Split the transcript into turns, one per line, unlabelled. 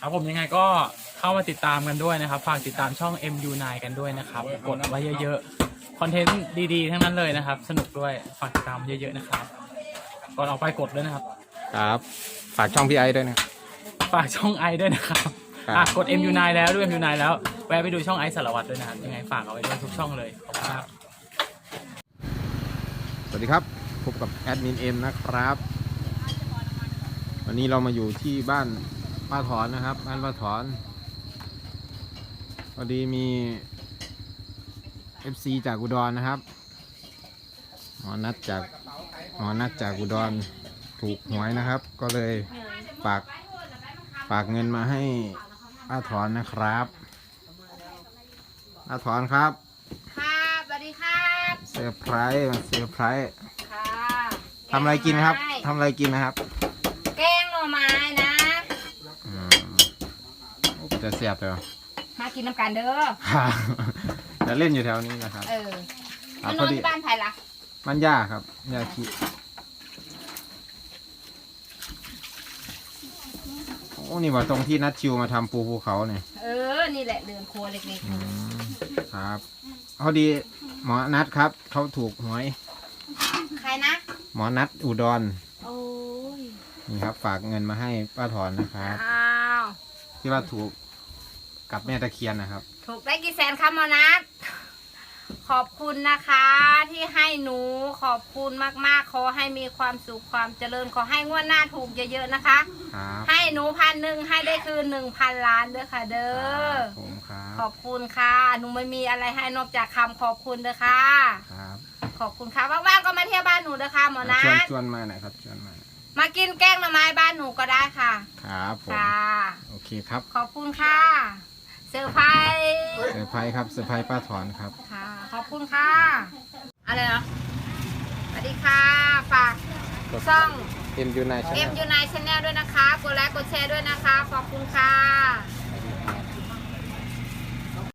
ครับผมยังไงก็เข้ามาติดตามกันด้วยนะครับฝากติดตามช่อง MU9 กันด้วยนะครับกดไว้เยอะๆคอนเทนต์ดีๆทั้งนั้นเลยนะครับสนุกด้วยฝากติดตามเยอะๆนะครับก่อนออกไปกดด้วยนะครับ
ครับฝากช่องพี่ไอด้วยนะ
ฝากช่องไอด้วยนะครับกด MU9 แล้วด้วย MU9 แล้วแวะไปดูช่องไอสารวัตรด้วยนะครับยังไงฝากเอาไว้ด้วยทุกช่องเลยขอบคุณครับ
สวัสดีครับพบกับแอดมินเอ็มนะครับ วันนี้เรามาอยู่ที่บ้านป้าถอนนะครับบ้านป้าถอนพอดีมี FC จากอุดรนะครับหมอนัดจากอุดรถูกหวยนะครับ ก็เลยฝากเงินมาให้ป้าถอนนะครับป้าถอนครับ
ครับสวัสดีครับ
เซอร์ไพรส์มาเซอร์ไพรส์
ค่ะ
ทำอะไรกินครับทำอะไรกินนะครับ
แกงหน่อไม้นะ
จะเสียบเลยเหรอ
มากินน้ำกันเด้อ
จะเล่นอยู่แถวนี้นะครับ
มานอนที่บ้านใครล่ะ
มันย่าครับย่าขี้โอ้นี่ว่าตรงที่นัดชิวมาทำปูภูเขาเนี่ย
นี่แหละเดินครัวเล็ก
ครับพอดีหมอนัดครับเขาถูกหวย
ๆ ใครนะ
หมอนัดอุดร
โอ้ย
นี่ครับฝากเงินมาให้ป้าถอนนะครับ
อ้าว
ที่ว่าถูกกับแม่ตะเคียนนะครับ
ถูกได้กี่แสนครับหมอนัทขอบคุณนะคะที่ให้หนูขอบคุณมากๆขอให้มีความสุขความเจริญขอให้งวดหน้าถูกเยอะๆนะคะ
ครับ
ให้หนู1,000ให้ได้คืน1,000 ล้านด้วยค่ะเด้อ
ผมครับ
ขอบคุณค่ะ หนูไม่มีอะไรให้นอกจากคำขอบคุณเด้อค่ะ
ครับ
ขอบคุณค่ะว่างๆก็มาเที่ยวบ้านหนูเด้อค่ะหมอนั
ชวน
ท
มาหน่อยครับชวนมาหน่อย
มากินแกงหน่อไม้บ้านหนูก็ได้ค่ะ
ครับผม
ค่ะ
โอเคครับ
ขอบคุณค่ะเซอร์ไพรส์
เซอร์ไพรส์ครับเซอร์ไพรส์ป้าถอนครับ
ค่ะ ขอบคุณค่ะ อะไรเหรอสวัสดีค่ะฝากช่อง
MU9 Channel
MU9 Channel ด้วยนะคะกดไลค์กดแชร์ด้วยนะ